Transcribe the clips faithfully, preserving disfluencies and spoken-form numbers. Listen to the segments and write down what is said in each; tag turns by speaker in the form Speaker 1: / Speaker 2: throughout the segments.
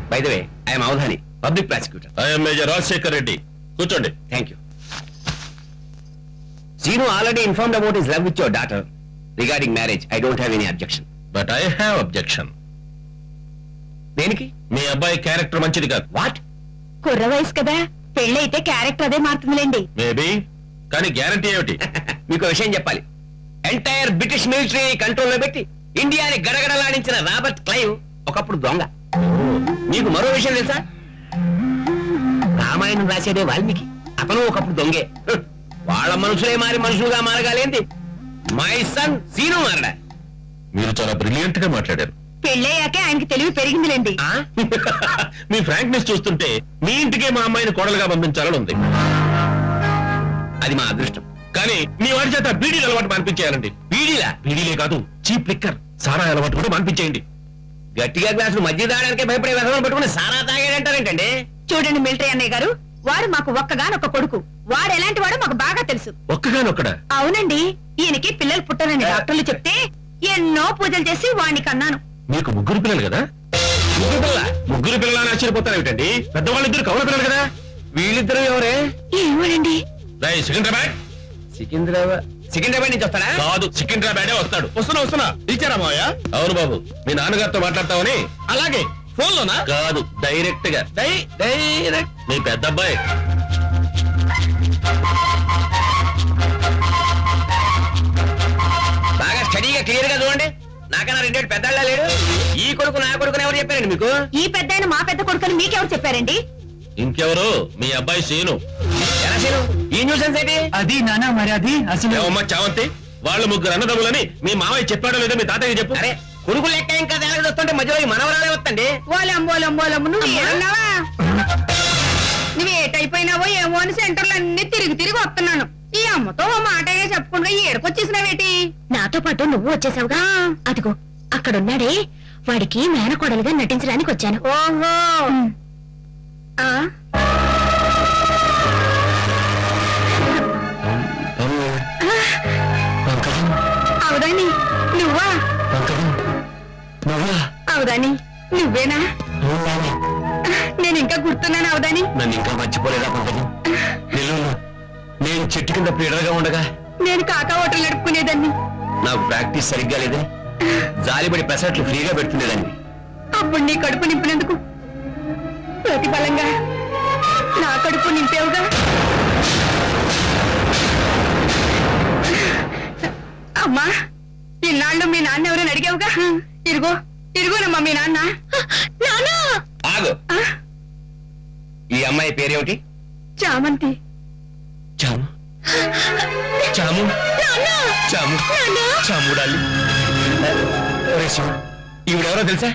Speaker 1: By the way I'm Avadhani, public prosecutor.
Speaker 2: I'm major Rajasekhar Reddy. కూర్చోండి.
Speaker 1: Thank you. Sinu already informed about his love with your daughter. Regarding marriage, I don't have any objection.
Speaker 2: But I have objection.
Speaker 1: దేనికి?
Speaker 2: మీ అబ్బాయి character మంచిది కాదు.
Speaker 1: What?
Speaker 3: కుర్ర వయసు కదా, పెళ్ళైతే క్యారెక్టర్ అదే మారుతుందిలేండి.
Speaker 2: మేబీ, కానీ గ్యారంటీ ఏమిటి?
Speaker 1: మీకు విషయం చెప్పాలి. ఎంటైర్ బ్రిటిష్ మిలిటరీ కంట్రోల్లో పెట్టి ఇండియాని గడగడలాడించిన రాబర్ట్ క్లైవ్ ఒకప్పుడు దొంగ. మీకు మరో విషయం తెలుసా? రామాయణం రాసేదే వాల్మీకి, అతను ఒకప్పుడు దొంగే. వాళ్ళ మనుషులే మారి మనుషులుగా మారగాలేంది. మై సన్ సీను మారడా.
Speaker 2: మీరు చాలా బ్రిలియంట్ గా మాట్లాడారు.
Speaker 3: పెళ్ళయ్యాకే ఆయనకి తెలివి పెరిగిందిలేండి.
Speaker 2: మీ ఫ్రాంక్నెస్ చూస్తుంటే మీ ఇంటికే మా అమ్మాయిని కోడలుగా పంపించాలని ఉంది.
Speaker 1: అది మా అదృష్టం.
Speaker 2: కానీ మీ వాడి చేత బీడీలు అలవాటు మానిపించేయాలండి.
Speaker 1: బీడీలా?
Speaker 2: బీడీలే కాదు, చీప్ లిక్కర్, సారా అలవాటు కూడా మానిపించేయండి.
Speaker 1: గట్టిగా గ్లాసులు మధ్య తాగడానికి భయపడే వ్యవహారం పెట్టుకుని సారా తాగాడంటారేంటండి?
Speaker 3: చూడండి మిలిటరీ అన్నయ్య గారు, వాడు మాకు ఒక్కగానొక్క కొడుకు. వాడు ఎలాంటి వాడో మాకు బాగా తెలుసు.
Speaker 2: ఒక్కగానొక్కడా?
Speaker 3: అవునండి, ఈయనకి పిల్లలు పుట్టారని డాక్టర్లు చెప్తే ఎన్నో పూజలు చేసి వాడిని కన్నాను.
Speaker 2: మీకు ముగ్గురు పిల్లలు కదా?
Speaker 1: ముగ్గురు పిల్ల
Speaker 2: ముగ్గురు పిల్లలని ఆశ్చర్యపోతారు ఏమిటండి? పెద్దవాళ్ళిద్దరు కౌల పిల్లలు కదా.
Speaker 1: వీళ్ళిద్దరు ఎవరే?
Speaker 3: ఏమోనండి.
Speaker 2: రై సికింద్రాబాద్.
Speaker 1: సికింద్రాబాద్? సికింద్రాబాద్ నుంచి వస్తాడా?
Speaker 2: కాదు, సికింద్రాబాదే వస్తాడు. వస్తున్నా వస్తున్నా. ఇచ్చారా మావయ్య? అవును బాబు, మీ నాన్నగారితో మాట్లాడతావని. అలాగే. ఫోన్ లోనా? కాదు, డైరెక్ట్ గా. డై డైరెక్ట్ మీ పెద్ద అబ్బాయి.
Speaker 1: బాగా స్టడీగా క్లియర్ గా చూడండి. నాకన్నా రెండేళ్ళు పెద్దళ్ళ లేడు. ఈ కొడుకు నా కొడుకుని ఎవరు చెప్పారండి మీకు?
Speaker 3: ఈ పెద్ద మా పెద్ద కొడుకుని మీకెవరు చెప్పారండి?
Speaker 2: ఇంకెవరు? మీ అబ్బాయి సీను.
Speaker 1: ఎలా సీను? ఈ న్యూసెన్స్ ఏంటి?
Speaker 4: అది నానా మరి అది అసలు
Speaker 2: ఏమమ్మా చావంతి, వాళ్ళు ముగ్గురు అన్నదమ్ములని మీ మామయ్య చెప్పాడో లేదో మీ తాతయ్య చెప్పు.
Speaker 1: అరే కొడుకు లెక్క ఇంకా తేడా వస్తుంటే మధ్యలో ఈ మనవరాలే వస్తండి.
Speaker 3: ఓలంబోలంబోలమ్మ, నువ్వు ఏమన్నావా? నువ్వు ఏటైపోయినావో ఏమో అని సెంటర్లు అన్ని తిరిగి తిరిగి వస్తున్నాను. ఈ అమ్మతో ఓ మాటగా చెప్పుకుంటా ఏడుకొచ్చేసినావేటి? నాతో పాటు నువ్వు వచ్చేసావుగా. అదిగో అక్కడున్నాడే, వాడికి మేనకోడలుగా నటించడానికి వచ్చాను. ఓహో. అవుదాని నువ్వా? అవుదాని నువ్వేనా? నేను ఇంకా గుర్తున్నాను అవుదాని.
Speaker 1: నన్ను ఇంకా మర్చిపోలేదా పంకజం? నెల్లూరు నేను చెట్టు కింద పీడలుగా ఉండగా
Speaker 3: నేను కాకా హోటల్ నడుపుకునేదాన్ని.
Speaker 1: నాకు ప్రాక్టీస్ సరిగ్గా లేదని జాలిపడి పెసరట్లు ఫ్రీగా పెడుతుండేదాన్ని.
Speaker 3: అప్పుడు నీ కడుపు నింపినందుకు ప్రతిఫలంగా నా కడుపు నింపేవుగా. అమ్మా, ఇన్నాళ్ళు మీ నాన్న ఎవరైనా అడిగావుగా. ఇరుగో ఇరుగోనమ్మా మీ నాన్న.
Speaker 1: ఆగు. ఈ అమ్మాయి పేరేమిటి?
Speaker 3: చామంతి.
Speaker 1: చాము చాము చాము చాముడాలి. ఈవిడెవరో తెలుసా?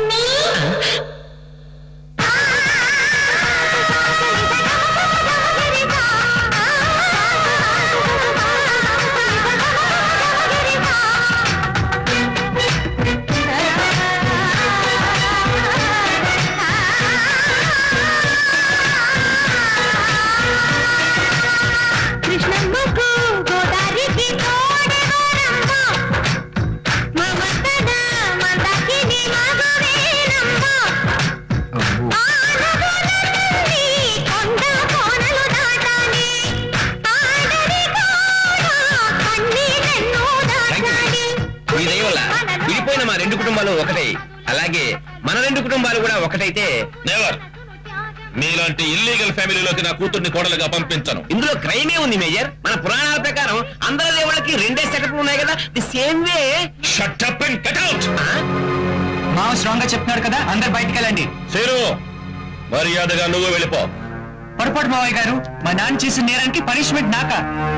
Speaker 1: విడిపోయిన మా రెండు కుటుంబాలు ఒకటే, అలాగే మన రెండు కుటుంబాలు కూడా ఒకటైతే.
Speaker 2: నెవర్. మీలాంటి ఇల్లీగల్ ఫ్యామిలీలోకి నా కూతుర్ని కోడలుగా పంపించను.
Speaker 1: ఇందులో క్రైమే ఉంది మేజర్. మన పురాణాల ప్రకారం అందరి దేవుళ్ళకి రెండే సెటప్లు ఉన్నాయి కదా. The same way.
Speaker 2: Shut up and get out.
Speaker 4: మావ స్ట్రాంగ్ గా చెప్తున్నాడు కదా, అందరు బయటికి వెళ్ళండి.
Speaker 2: సీను, మర్యాదగా నువ్వు వెళ్ళిపో.
Speaker 4: పొరపాటు మావయ్య గారు, మా నాన్న చేసిన నేరానికి పనిష్మెంట్ నాక.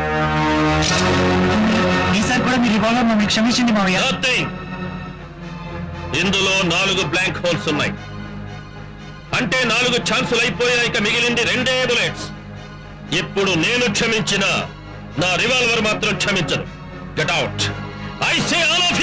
Speaker 4: ఈసారి కూడా మీ రివాల్వర్ మమ్మల్ని క్షమించండి మావయ్య.
Speaker 2: Nothing. ఇందులో నాలుగు బ్లాంక్ హోల్స్ ఉన్నాయి. అంటే నాలుగు ఛాన్సులు అయిపోయాయి. ఇక మిగిలింది రెండే బుల్లెట్స్. ఇప్పుడు నేను క్షమించిన నా రివాల్వర్ మాత్రం క్షమించను. Get out. I say all